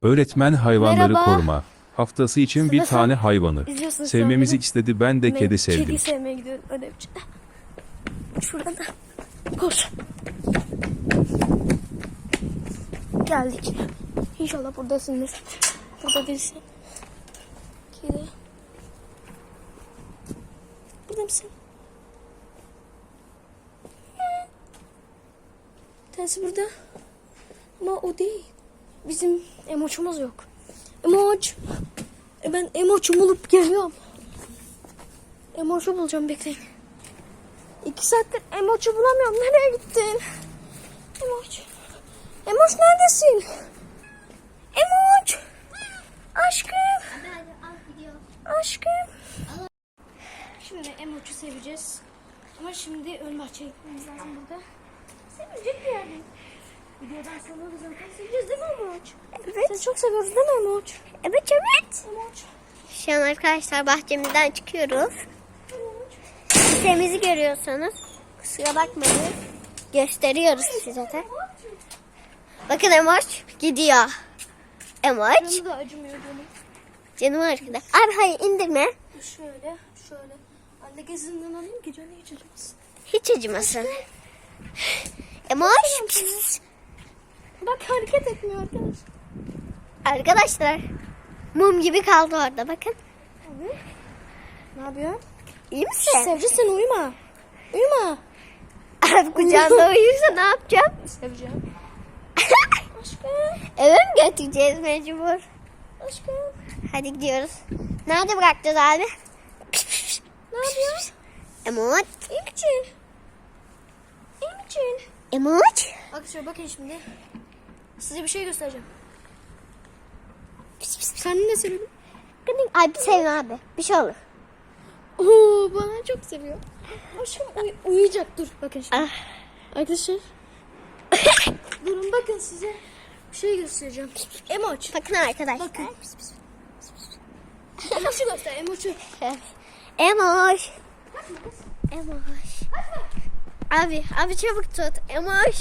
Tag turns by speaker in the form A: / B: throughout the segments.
A: Öğretmen hayvanları
B: Merhaba.
A: koruma haftası için bir
B: Nasıl?
A: tane hayvanı
B: İzliyorsun
A: sevmemizi
B: sen
A: istedi. Ben de
B: beni.
A: kedi sevdim.
B: Kedi sevmeye gidiyorum ödevci. Şuradan da. Koş. Geldik. İnşallah buradasındır. Burada değilsin. Kedi. Burada mısın? Tanesi burada. Ama o değil. Bizim emoçumuz yok. Emoç. Ben emoçu bulup geliyorum. Emoçu bulacağım, bekleyin. 2 saattir emoçu bulamıyorum. Nereye gittin? Emoç. Emoç neredesin? Emoç. Aşkım. Aşkım. Şimdi emoçu seveceğiz. Ama şimdi ön bahçeye gitmemiz lazım burada. Sevecek bir yerde. Videodan sonra biz zaten seveceğiz değil mi Emoç? Evet. Seni çok seviyoruz değil mi Emoç?
C: Evet evet.
B: Emoç.
C: Şu an arkadaşlar bahçemizden çıkıyoruz.
B: Emoç.
C: Sitemizi görüyorsanız kusura bakmayın. Gösteriyoruz size de. Bakın Emoç gidiyor. Emoç.
B: Canı da acımıyor canım.
C: Canım arkada. Abi hayır indirme.
B: Şöyle. Anne gezinden alayım ki canı hiç acımasın.
C: Hiç acımasın. Emoç.
B: Bak hareket etmiyor arkadaş.
C: Arkadaşlar mum gibi kaldı orada bakın.
B: Abi. Ne yapıyor?
C: İyi misin?
B: Sevci sen uyuma. Uyuma.
C: Abi kucağında uyursa ne yapacağım?
B: Seveceğim. Aşkım.
C: Eve mi götüreceğiz mecbur?
B: Aşkım.
C: Hadi gidiyoruz. Nerede bırakacağız abi?
B: Ne yapıyor?
C: Emoç.
B: İyi misin? İyi misin?
C: Emoç.
B: Arkadaşlar bakın şimdi. Size bir şey göstereceğim. Sen ne seviyorsun?
C: Abi sevme abi. Bir şey olur.
B: Oo, bana çok seviyor. Aşkım uyuyacak, dur bakın şimdi.
C: Ah.
B: Arkadaşlar. Durun bakın size bir şey göstereceğim. Emoç.
C: Bakın arkadaşlar.
B: Bakın. Emoç'u göster, Emoç'u.
C: Emoş. Emoş. Abi çabuk tut. Emoş.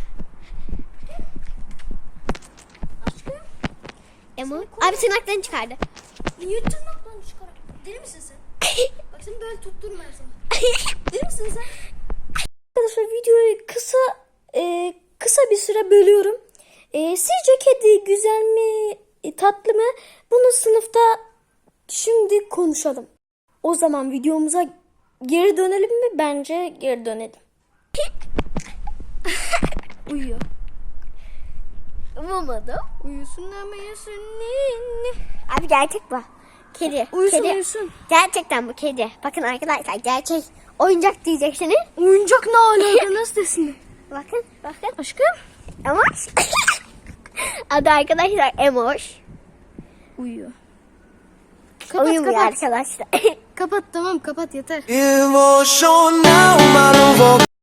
B: Aşkım.
C: Emoş. Abi tırnaklarını çıkardı.
B: Niye tırnaklarını çıkar? Deli misin sen? Bak seni böyle tutturma her zaman. Deli misin sen? Arkadaşlar videoyu kısa bir süre bölüyorum. Sizce kedi güzel mi, tatlı mı? Bunu sınıfta şimdi konuşalım. O zaman videomuza geri dönelim mi? Bence geri dönelim. Uyuyor.
C: Umamadım.
B: Uyusun ama yesin.
C: Abi gerçek bu. Kedi.
B: Uyusun
C: Kedi.
B: uyusun.
C: Gerçekten bu kedi. Bakın arkadaşlar gerçek. Oyuncak diyeceksiniz.
B: Oyuncak ne alaka, nasıl desin?
C: Bakın.
B: Aşkım.
C: Emoş. Adı arkadaşlar Emoş.
B: Uyuyor.
C: Uyumuyor arkadaşlar.
B: Kapat, tamam kapat, yeter.
D: Emotional, maluvo.